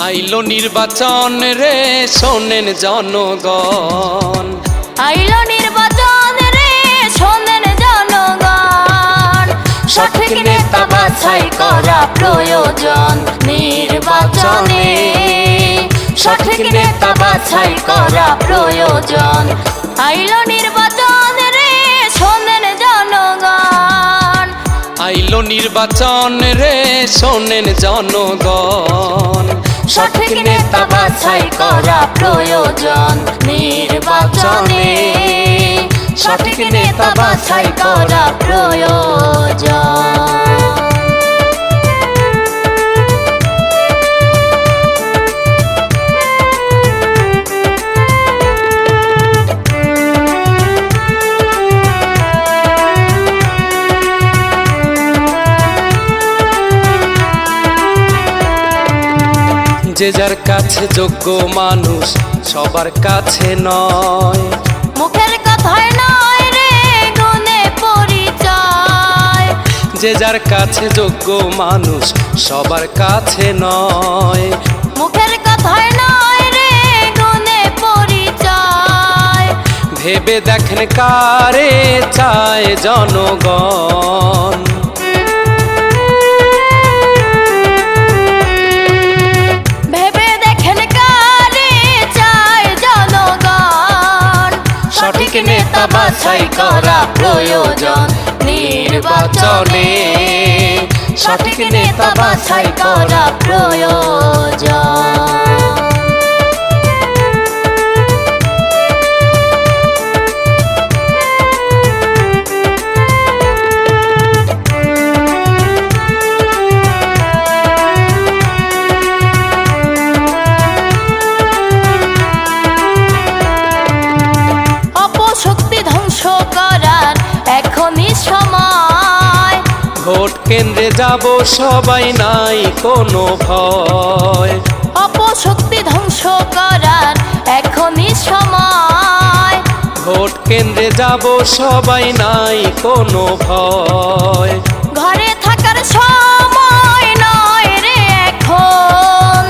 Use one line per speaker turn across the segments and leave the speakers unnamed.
আইলো নির্বাচন রে শোনেন জনগণ,
আইলো নির্বাচন রে শোনেন জনগণ। সঠিক নেতা বাছাই করা প্রয়োজন নির্বাচনে, সঠিক নেতা বাছাই করা প্রয়োজন। আইলো নির্বাচন রে শোনেন জনগণ,
আইলো নির্বাচন রে শোনেন জনগণ।
সঠিক নেতা বাছাই করা প্রয়োজন নির্বাচনে, সঠিক নেতা বাছাই করা প্রয়োজন।
যে যার কাছে যোগ্য মানুষ সবার কাছে নয়,
মুখের কথায় নয় রে গুণে পরিচয়।
যে যার কাছে যোগ্য মানুষ সবার কাছে নয়,
মুখের কথায় নয় রে গুণে পরিচয়।
ভেবে দেখেন কারে চায় জনগণ,
সঠিক নেতা বাছাই করা প্রয়োজন নির্বাচনে, সঠিক নেতা বাছাই করা প্রয়োজন। শক্তি ধ্বংস করার এখনই সময়।
ভোট কেন্দ্রে যাব সবাই নাই কোনো ভয়,
অপশক্তি ধ্বংস করার এখনই সময়।
ভোট কেন্দ্রে যাব সবাই নাই কোনো ভয়,
ঘরে থাকার সময় নয় রে এখন,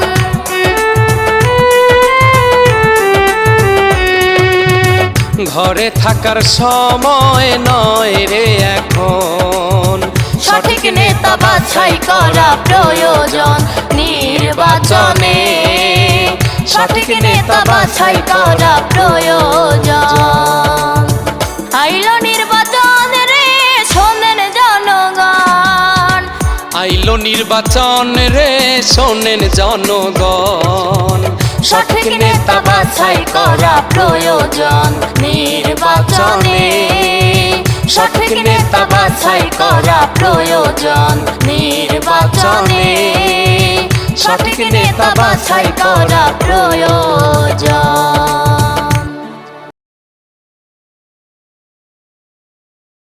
ঘরে থাকার সময় নয় রে এখন।
সঠিক নেতা বাছাই করা প্রয়োজন নির্বাচনে, সঠিক নেতা বাছাই করা প্রয়োজন। আইলো নির্বাচন রে শোনেন জনগণ,
আইলো নির্বাচন রে শোনেন জনগণ।
সঠিক নেতা বাছাই করা প্রয়োজন নির্বাচনে, সঠিক নেতা বাছাই করা প্রয়োজন নির্বাচনে, সঠিক নেতা বাছাই করা প্রয়োজন।